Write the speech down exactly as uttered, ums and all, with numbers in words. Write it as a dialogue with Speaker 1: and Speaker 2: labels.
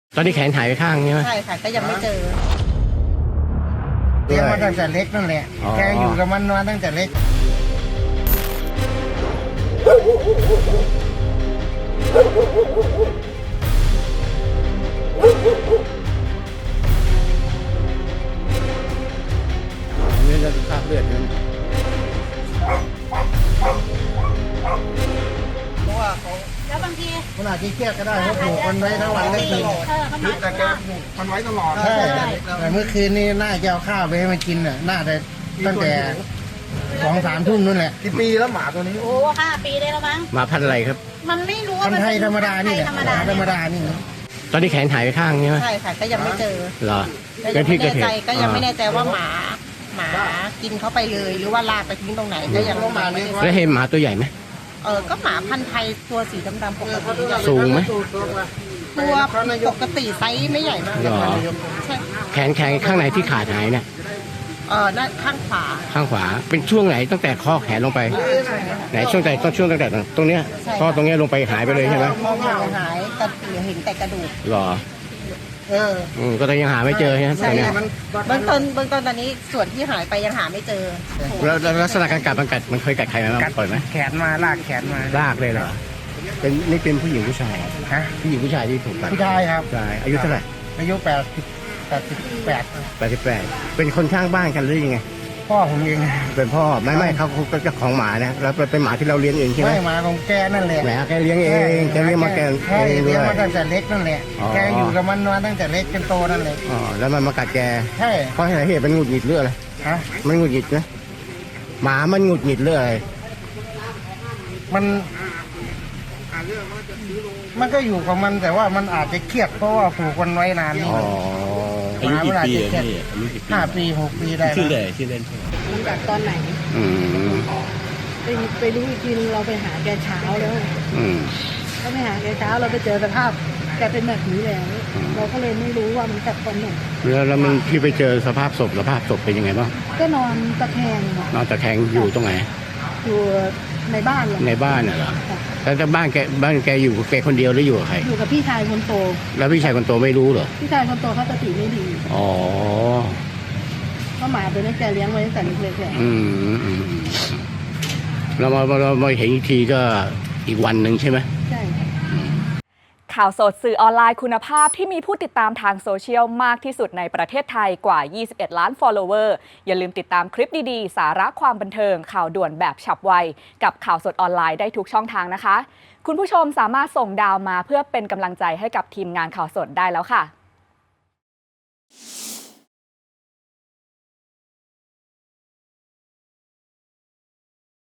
Speaker 1: ตอนนี้แขนหายไปข้างใช่ไหม
Speaker 2: ใช่ค่ะก็ยังไม่เจอ
Speaker 3: เลี้ยงมาตั้งแต่เล็กนั่นแหละแกอยู่กับมันมาตั้งแต่เล็ก
Speaker 1: นี่เราดูคราบเลือดนั่น
Speaker 3: เพราะว่าเขา
Speaker 2: แล้วบางที
Speaker 3: ขนาดที่เครียดก็ได้เขาผูกมันไว้ทั้งวันทั้งคืน
Speaker 2: เออเขามา
Speaker 3: แต่แกผูกมันไว้ตลอดใช่แต่เมื่อคืนนี้น่าจะเอาข้าวไปให้มันกินน่ะน่าจะตั้งแต่สองสามทุ่มนู่นแหละกี่ปีแล้วหมาตัวนี้
Speaker 2: โอ้ห้าปีได้แล้วมั้ง
Speaker 1: หมาพันธุ์อะไรครับ
Speaker 2: มันไม่รู้ว่า
Speaker 3: พัน
Speaker 2: มัน
Speaker 3: ไทยธรรมดานี่แหละ
Speaker 2: ธรรมดา
Speaker 3: ธรรมดานี่
Speaker 1: ตอนนี้แขนหายไปข้างใช่ไหม
Speaker 2: ใช่ค่ะก็ยังไม่เจอ
Speaker 1: เหรอ
Speaker 2: ก็
Speaker 1: ก็
Speaker 2: ยัง
Speaker 1: ที่
Speaker 2: ไม่
Speaker 1: เกิด
Speaker 2: แน่
Speaker 1: เห
Speaker 2: ใจ
Speaker 1: ตุ
Speaker 2: ก็ยังไม่แน่ใจว่าหมาหมากินเข้าไปเลยหรือว่าลากไปทิ้งตรงไหนก็ยังไม่ได้
Speaker 1: แล้วเห็นหมาตัวใหญ่ไหม
Speaker 2: เออก็หมาพันธุ์ไทยตัวสีดำๆปกติใหญ่
Speaker 1: สูงไหม
Speaker 2: ตัวปกติไซส์ไม่ใหญ่มาก
Speaker 1: เหรอ
Speaker 2: ใช่
Speaker 1: แขนแขนข้างไหนที่ขาดหายเนี่ย
Speaker 2: เออด้านข้างขวา
Speaker 1: ข้างขวาเป็นช่วงไหนตั้งแต่ข้อแขนลงไปไหนช่วงไหนต้องช่วงตั้งแต่ตรงเนี้ยข้อตรงเนี้ยลงไปหายไปเลยใช่ไหม
Speaker 2: มองหายหายแต่เหลือเห็นแต่กระดูก
Speaker 1: เหรอ
Speaker 3: เออ
Speaker 1: อืมก็ยังหาไม่เจอใช่ไหมตอนเนี้ย
Speaker 2: เบื้องต้นเบื้องต้นตอนนี้ส่วนที่หายไปยังหาไม่เจอ
Speaker 1: แล้วแล้วลักษณะการกัดมันกัดมันเคยกัดใครไหมบ้างปล่อยไหม
Speaker 3: แขนมาลากแขนมา
Speaker 1: ลากเลยเหรอเป็นนี่เป็นผู้หญิงผู้ชาย
Speaker 3: ฮะ
Speaker 1: ผู้หญิงผู้ชายที่ถูกกัด
Speaker 3: ผู้ชายครับ
Speaker 1: ใช่อายุเท่าไหร่
Speaker 3: อายุแปดสิบแปดสิบแปด
Speaker 1: แปดสิบแปดเป็นคนข้างบ้านกันหรือยังไง
Speaker 3: พ่อผมเอง
Speaker 1: เป็นพ่อไม่ไม่เขาเขาเจ้าของหมานะแล้วเป็นหมาที่เราเลี้ยงเองใช่ไหม
Speaker 3: ไม่มาของแกนั่นแหละ
Speaker 1: แหมแกเลี้ยงเองแกเลี้ยงมาแก
Speaker 3: ใช่
Speaker 1: เองด้
Speaker 3: เลี้
Speaker 1: วย
Speaker 3: งมาตั้งแต่เล็กนั่นแหละ
Speaker 1: อ๋อ
Speaker 3: แกอยู่กับมันมาตั้งแต่เล็กจนโตนั่นแหละ
Speaker 1: อ๋อแล้วมันมากัดแก
Speaker 3: ใช่
Speaker 1: เพราะอะไรเหตุมันหงุดหงิดเรื่องอะไร
Speaker 3: ฮะ
Speaker 1: มันหงุดหงิดนะหมามันหงุดหงิดเรื่องอะไร
Speaker 3: มัน มันก็อยู่กับมันแต่ว่ามันอาจจะเครียดเพราะว่าผูกมันไว้นานนี่
Speaker 1: อ๋อ
Speaker 4: อายุกี่ปีอะพี่อายุกี่ปี
Speaker 3: ห้าปีหกปีได้
Speaker 4: ชื่อ
Speaker 3: นะ
Speaker 4: เลยชื่อเล่นชื่ออะไร
Speaker 5: มันจากตอนไหน
Speaker 1: อืม
Speaker 5: ไปไปรู้อีกทีนึงเราไปหาแกเช้าแล้ว
Speaker 1: อืม
Speaker 5: ก็ไปหาแกเช้าเราไปเจอสภาพแกเป็นแบบนี้แล้ว
Speaker 1: อืม
Speaker 5: เราก็เลยไม่รู้ว่ามันกัดตอนไหน
Speaker 1: แล้วแล้วมันพี่ไปเจอสภาพศพสภาพศพเป็นยังไงบ้าง
Speaker 5: ก็นอนตะแคง
Speaker 1: นอนตะแคงอยู่ตรงไหน
Speaker 5: อยู่ในบ้านเลย
Speaker 1: ในบ้านน่ะเหรอแล้วแต่บ้านแกบ้านแกอยู่กับแกคนเดียวหรืออยู่กับใคร
Speaker 5: อยู่กับพี่ชายคนโต
Speaker 1: แล้วพี่ชายคนโตไม่รู้เหรอ
Speaker 5: พี่ชายคนโตเขาสติไม่ดี
Speaker 1: อ๋อ
Speaker 5: เพราะหมาตัวนี้แกเลี้ยงไว้ตั้งแต่เล็กๆเลย
Speaker 1: อืมอืมอืมเรามาเรามาเห็นอีกทีก็อีกวันหนึ่งใช่ไหม
Speaker 5: ใช่
Speaker 6: ข่าวสดสื่อออนไลน์คุณภาพที่มีผู้ติดตามทางโซเชียลมากที่สุดในประเทศไทยกว่า ยี่สิบเอ็ด ล้าน follower อย่าลืมติดตามคลิปดีๆ สาระความบันเทิง ข่าวด่วนแบบฉับไว กับข่าวสดออนไลน์ได้ทุกช่องทางนะคะ คุณผู้ชมสามารถส่งดาวมาเพื่อเป็นกำลังใจให้กับทีมงานข่าวสดได้แล้วค่ะ